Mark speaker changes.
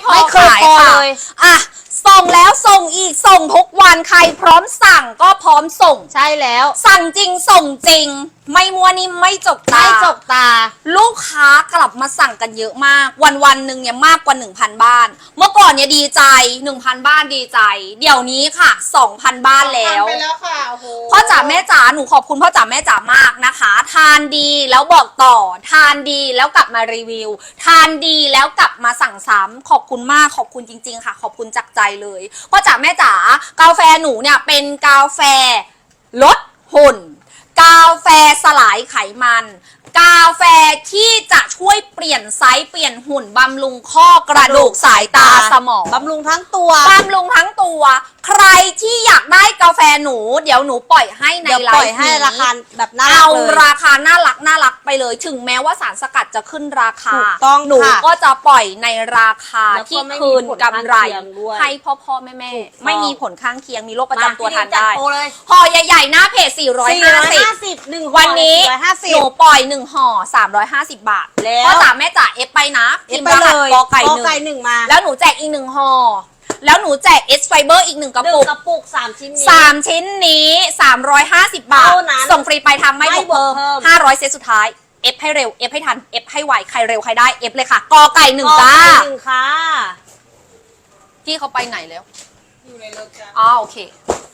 Speaker 1: พอขายค่ะอ่ะส่งแล้วส่งอีกส่งทุกวันใครพร้อมสั่งก็พร้อมส่ง
Speaker 2: ใช่แล้ว
Speaker 1: สั่งจริงส่งจริงไม่มัวนิ่มไม่จกตาลูกค้ากลับมาสั่งกันเยอะมากวันหนึ่งเนี่ยมากกว่า 1,000 บ้านเมื่อก่อนเนี่ยดีใจ 1,000 บ้านดีใจเดี๋ยวนี้ค่ะ 2,000 บ้านแล้ว
Speaker 3: ไปแล้วค่ะโอ้โห
Speaker 1: พ่อจ๋าแม่จ๋าหนูขอบคุณพ่อจ๋าแม่จ๋ามากนะคะทานดีแล้วบอกต่อทานดีแล้วกลับมารีวิวทานดีแล้วกลับมาสั่งซ้ำขอบคุณมากขอบคุณจริงๆค่ะขอบคุณจากใจเลยพ่อจ๋าแม่จ๋ากาแฟหนูเนี่ยเป็นกาแฟลดหุ่นกาแฟสลายไขมันกาแฟที่จะช่วยเปลี่ยนไซส์เปลี่ยนหุ่นบำรุงข้อกระดูกสายตาสมอง
Speaker 2: บำรุงทั้งตัว
Speaker 1: บำรุงทั้งตัวใครที่อยากได้กาแฟหนูเดี๋ยวหนูปล่อยให้ในไลฟ์
Speaker 2: ให้ราคาแบบน่ารัก
Speaker 1: เอา
Speaker 2: เลย
Speaker 1: ราคาน่ารักไปเลยถึงแม้ว่าสารสกัดจะขึ้นราคา
Speaker 2: ถูกต้อง
Speaker 1: หนูก็จะปล่อยในราคาที่คืนกำไรให้พ่อแม่ไม่มีผลข้างเคียงมีโรคประจำตัวทานได้ห่อใหญ่ๆหน้าเพจ450วันนี้หนูปล่อย1ห่อ350 บาทพ่อจ๋าแม่จ๋าเอฟไปนะพิมพ์รหัสกอไก่หนึ่ง
Speaker 2: มา
Speaker 1: แล้วหนูแจกอีก1ห่อแล้วหนูแจก S Fiber อีก1 กระปุก
Speaker 2: 3 ชิ้นนี้
Speaker 1: 3 ชิ้นนี้350 บาทส่งฟรีไปทำไม่บวกเพิ่ม500เซตสุดท้ายเอฟให้เร็วเอฟให้ทันเอฟให้ไวใครเร็วใครได้เอฟเลยค่ะกอไก่1จ้า
Speaker 2: ค่ะ
Speaker 1: พี่เขาไปไหนแล้ว
Speaker 3: อยู่ในรถจ้า
Speaker 1: อ๋อโอเค